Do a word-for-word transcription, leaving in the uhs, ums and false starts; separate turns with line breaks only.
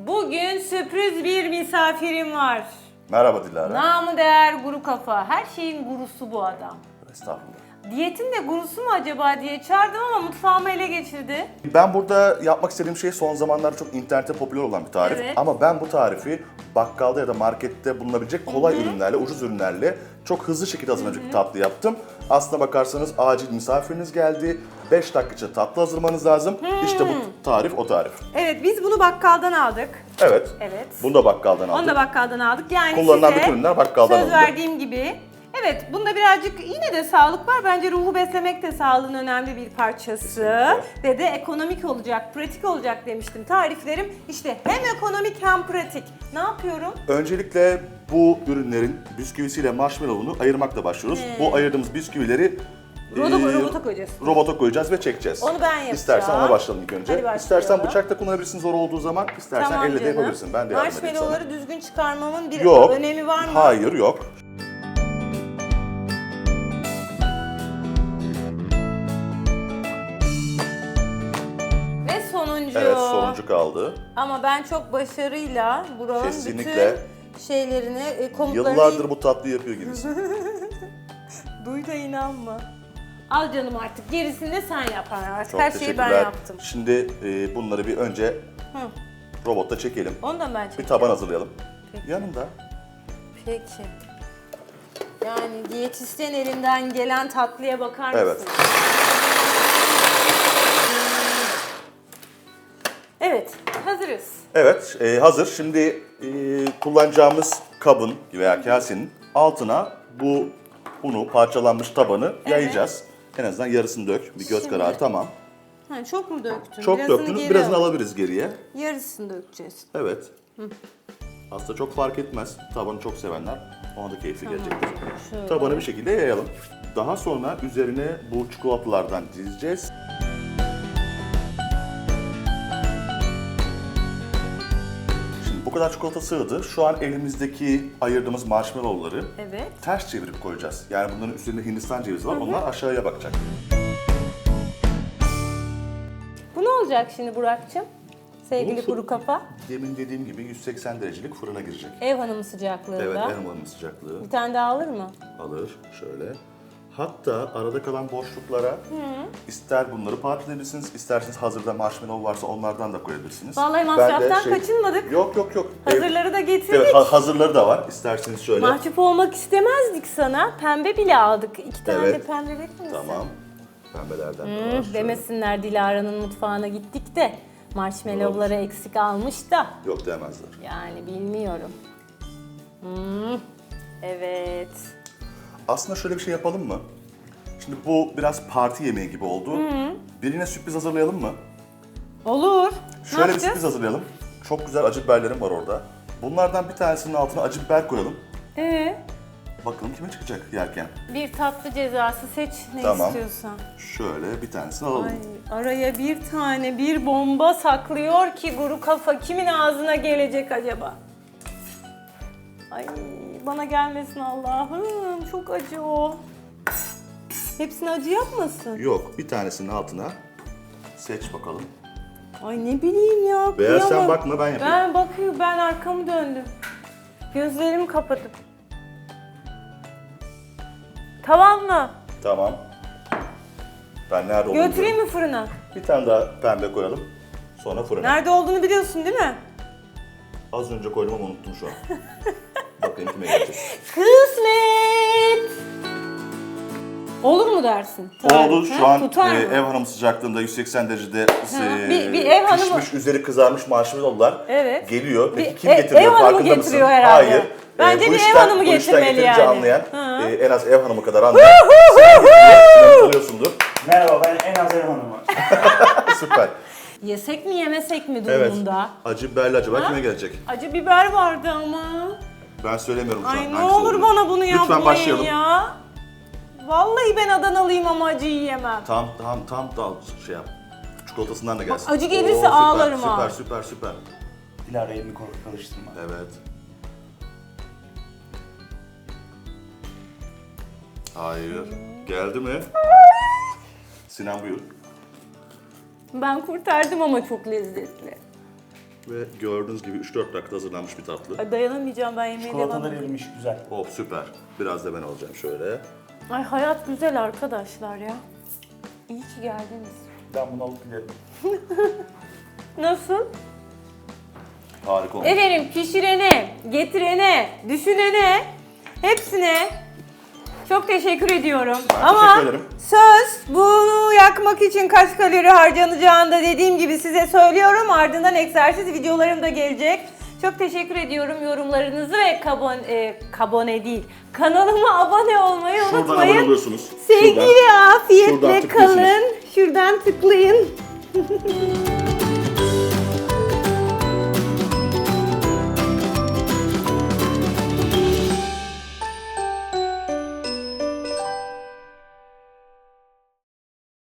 Bugün sürpriz bir misafirim var.
Merhaba Dilara.
Namı değer guru kafa. Her şeyin gurusu bu adam.
Estağfurullah.
Diyetin de gurusu mu acaba diye çağırdım ama mutfağımı ele geçirdi.
Ben burada yapmak istediğim şey son zamanlarda çok internette popüler olan bir tarif.
Evet.
Ama ben bu tarifi bakkalda ya da markette bulunabilecek kolay Hı-hı. ürünlerle, ucuz ürünlerle çok hızlı şekilde hazırlanacak bir tatlı yaptım. Aslına bakarsanız acil misafiriniz geldi. beş dakika içinde tatlı hazırlamanız lazım. Hmm. İşte bu tarif o tarif.
Evet, biz bunu bakkaldan aldık.
Evet.
Evet.
Bunu da bakkaldan aldık.
Onu da bakkaldan aldık. Yani
kullanılan
size
bütün ürünler bakkaldan
söz
alındı.
verdiğim gibi. Evet, bunda birazcık yine de sağlık var. Bence ruhu beslemek de sağlığın önemli bir parçası. Kesinlikle. Ve de ekonomik olacak, pratik olacak demiştim. Tariflerim işte hem ekonomik hem pratik. Ne yapıyorum?
Öncelikle bu ürünlerin bisküvisiyle marshmallow'unu ayırmakla başlıyoruz.
He.
Bu ayırdığımız bisküvileri
Robo,
e,
robota koyacağız.
Robota koyacağız ve çekeceğiz.
Onu ben yapacağım.
İstersen ona başlayalım ilk önce.
Hadi başlayalım.
İstersen bıçak da kullanabilirsin zor olduğu zaman, istersen
Tamam
elle de
canım.
yapabilirsin. Ben de yardım edeyim sana.
Marshmallow'ları düzgün çıkarmamın bir
Yok.
önemi var mı?
Hayır, yok.
Ve sonuncu.
Evet, sonuncu kaldı.
Ama ben çok başarıyla buranın
Kesinlikle.
bütün şeylerini, e, komutlarını...
Yıllardır bu tatlıyı yapıyor gibisin.
Duy da inanma. Al canım artık. Gerisini de sen yap artık.
Çok
Her şeyi ben
teşekkürler.
yaptım.
Şimdi e, bunları bir önce
Hı.
robotta çekelim.
Onu da ben çekeceğim.
Bir taban hazırlayalım.
Peki.
Yanında.
Peki. Yani diyetisyen elinden gelen tatlıya bakar mısın?
Evet.
Evet, hazırız.
Evet, e, hazır. Şimdi e, kullanacağımız kabın veya kasenin altına bu unu, parçalanmış tabanı
Evet.
yayacağız. En azından yarısını dök. Bir göz
Şimdi-
kararı tamam.
Ha, çok mu döktün?
Çok
Birazını
döktünüz.
geri
Birazını
al.
alabiliriz geriye.
Yarısını dökeceğiz.
Evet. Aslında çok fark etmez. Tabanı çok sevenler ona da keyifli gelecektir.
Şöyle.
Tabanı bir şekilde yayalım. Daha sonra üzerine bu çikolatalardan dizeceğiz. Şimdi bu kadar çikolata sığdı. Şu an elimizdeki ayırdığımız marshmallowları
Evet.
ters çevirip koyacağız. Yani bunların üstünde Hindistan cevizi var. Onlar aşağıya bakacak.
Bu ne olacak şimdi Burak'cığım? Sevgili
Bu-
kuru kafa.
Demin dediğim gibi yüz seksen derecelik fırına girecek.
Ev hanımı sıcaklığında.
Evet, en önemli sıcaklığı.
Bir tane daha alır mı?
Alır şöyle. Hatta arada kalan boşluklara ister bunları parçalayabilirsiniz, isterseniz hazırda marshmallow varsa onlardan da koyabilirsiniz.
Vallahi
Ben de
masraftan kaçınmadık.
Yok yok yok.
Hazırları da getirdik.
Evet, ha- hazırları da var. İsterseniz şöyle.
Mahcup olmak istemezdik sana. Pembe bile aldık. İki tane
Evet.
de pembe verir misin?
Tamam. Pembelerden de var.
Hı,
şöyle.
demesinler Dilara'nın mutfağına gittik de marshmallowları eksik almış da.
Yok demezler.
Yani bilmiyorum. Hmm, evet.
Aslında şöyle bir şey yapalım mı? Şimdi bu biraz parti yemeği gibi oldu. Birine sürpriz hazırlayalım mı?
Olur.
Şöyle
ne
bir
yapacağız?
sürpriz hazırlayalım. Çok güzel acı biberlerim var orada. Bunlardan bir tanesinin altına acı biber koyalım.
Ee,
Bakalım kime çıkacak yerken.
bir tatlı cezası seç ne
Tamam.
istiyorsan.
Şöyle bir tanesini alalım.
Ay, araya bir tane bir bomba saklıyor ki guru kafa kimin ağzına gelecek acaba? Ay bana gelmesin Allah'ım, çok acı o. Hepsini acı yapmasın.
Yok, bir tanesinin altına seç bakalım.
Ay ne bileyim ya.
Veya sen
kıyamam.
bakma, ben yapayım.
Ben bakıyorum, ben arkamı döndüm. Gözlerimi kapatıp. Tamam mı?
Tamam. Ben nerede olduğunu
Götüreyim
biliyorum.
mi fırına?
Bir tane daha pembe koyalım. Sonra fırına.
Nerede olduğunu biliyorsun değil mi?
Az önce koydum ama unuttum şu an. Bakayım kime gelecek.
Kısmet! Olur mu dersin?
Oldu.
Ha,
Şu an
tutar
e,
mı?
ev hanımı sıcaklığında yüz seksen derecede e,
bir- bir ev hanımı-
pişmiş, üzeri kızarmış marshmallowlar
Evet.
geliyor. Peki
Bir
kim
e-
getiriyor?
ev hanımı
Farkında
getiriyor
mısın?
herhalde.
Hayır.
Bence
bu
bir ev
işten-
hanımı
bu işten
getirmeli
yeterince
yani.
anlayan,
Ha.
e, en az ev hanımı kadar anlayan. Sinan getiriyor. Sinan tanıyorsundur.
Merhaba, ben en az ev hanımı.
Süper.
Yesek mi yemesek mi
Evet.
durumunda?
Acı biberli acaba
Ha?
kime gelecek?
Acı biber vardı ama.
Ben söylemiyorum şu an.
Ay ne
hangisi
olur
olduğunu.
bana bunu yapmayın
Lütfen başlayalım.
ya. Vallahi ben Adanalıyım ama acı yiyemem.
Tam tam tam da şey yap. Çikolatasından da gelsin.
acı gelirse
süper,
ağlarım
süper,
ha.
Süper süper süper.
Dilara elini korkak alıştırma.
Evet. Hayır. Geldi mi? Sinan buyur.
Ben kurtardım ama çok lezzetli.
Ve gördüğünüz gibi üç dört dakikada hazırlanmış bir tatlı.
Ay dayanamayacağım ben yemeğe devam
Çikolatalar
edeyim.
erimiş güzel.
Oh süper. Biraz da ben alacağım şöyle.
Ay hayat güzel arkadaşlar ya. İyi ki geldiniz.
Ben bunu alıp giderim.
Nasıl?
Harika olmuş.
Efendim pişirene, getirene, düşünene, hepsine çok teşekkür ediyorum.
Ben
Ama
teşekkür ederim.
söz bunu yakmak için kaç kalori harcanacağını da dediğim gibi size söylüyorum. Ardından egzersiz videolarım da gelecek. Çok teşekkür ediyorum yorumlarınızı ve kabon, e, kabone değil, kanalıma abone olmayı
Şuradan
unutmayın.
abone oluyorsunuz.
Sevgi
Şuradan.
ve afiyetle
Şuradan tıklıyorsunuz.
kalın. Şuradan tıklayın.